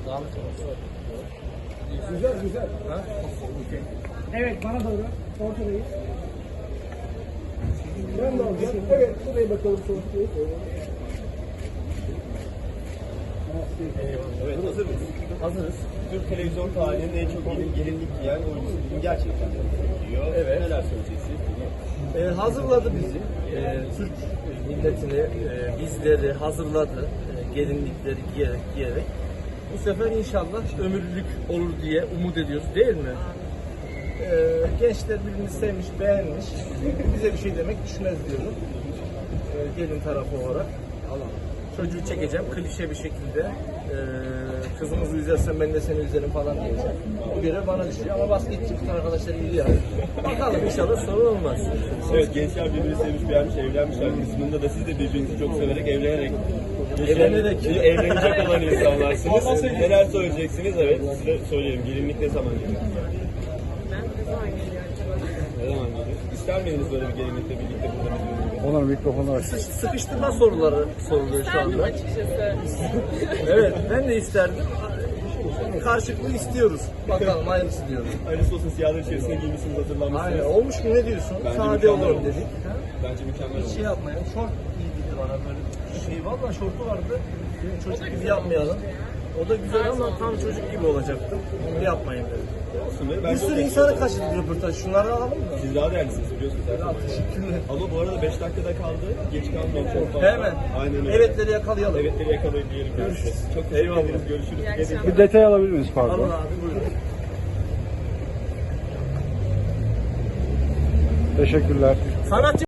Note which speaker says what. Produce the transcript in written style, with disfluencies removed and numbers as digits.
Speaker 1: Güzel güzel. Ha? Evet bana doğru. Ortadayız. Ben de alacağım. Evet buraya bakalım sonuçta.
Speaker 2: Evet, hazır mıyız? Hazırız. Türk televizyon tarihinin en çok gelinlik giyen oyuncusu bugün gerçekten diyor.
Speaker 3: Evet.
Speaker 2: Neler söyleyeceksiniz?
Speaker 3: Hazırladı bizi. Türk milletini, bizleri hazırladı. Gelinlikleri giyerek. Bu sefer inşallah ömürlük olur diye umut ediyoruz, değil mi? Gençler birbirini sevmiş, beğenmiş. Bize bir şey demek düşmez diyorum. Gelin tarafı olarak. Çocuğu çekeceğim klişe bir şekilde. Kızımızı üzersen ben de seni üzerim falan diyeceğim. Bu görev bana düşüyor ama basketçi bütün arkadaşlar iyi yani. Bakalım inşallah sorun olmaz.
Speaker 2: Evet, gençler birbirini sevmiş, beğenmiş, evlenmişler kısmında da siz de birbirinizi çok severek, evlenerek evlenecek olan insanlarsınız. Neler söyleyeceksiniz? Evet, size söyleyelim. Gelinlik ne zaman geliyor?
Speaker 4: Ben ne zaman geliyor acaba?
Speaker 2: Ne zaman geliyor? İster miydiniz böyle bir gelinlikle birlikte burada bir
Speaker 1: Onların mikrofonu aç.
Speaker 3: Sıkıştırma soruları soruluyor şu
Speaker 4: İsterdim
Speaker 3: anda.
Speaker 4: açıkçası.
Speaker 3: Evet, ben de isterdim. Karşılıklı istiyoruz. Bakalım hayırlısı diyoruz.
Speaker 2: Hayırlısı olsun, siyahlar içerisine giymişsiniz, hazırlanmışsınız.
Speaker 3: Aynen, olmuş mu ne diyorsun?
Speaker 2: Bence
Speaker 3: Sade
Speaker 2: mükemmel
Speaker 3: olalım
Speaker 2: olmuş.
Speaker 3: dedik.
Speaker 2: Bence mükemmel
Speaker 3: Hiç şey
Speaker 2: oldu.
Speaker 3: yapmayalım. Şort giydirdi bana böyle. Valla şortu vardı. Çocuk gibi yapmayalım. O da güzel ama tam çocuk gibi olacaktı. Onu yapmayın dedim.
Speaker 2: Olsun be,
Speaker 3: Bir
Speaker 2: bence
Speaker 3: sürü
Speaker 2: o-
Speaker 3: insana kaçırdık röportaj. Şunları alalım mı?
Speaker 2: Siz daha değerlisiniz biliyorsunuz.
Speaker 3: Ya, teşekkürler.
Speaker 2: Ama bu arada 5 dakikada kaldı. Geç kalmayalım çok fazla.
Speaker 3: Hemen.
Speaker 2: Aynen öyle.
Speaker 3: Evetleri yakalayalım.
Speaker 2: Evetleri yakalayın diyelim.
Speaker 3: Görüşürüz.
Speaker 2: Çok teşekkür
Speaker 3: Eyvallah.
Speaker 2: ederiz. Görüşürüz.
Speaker 4: İyi akşamlar.
Speaker 1: Bir detay alabilir miyiz pardon?
Speaker 3: Alın abi buyurun.
Speaker 1: Teşekkürler.
Speaker 3: Sanatçı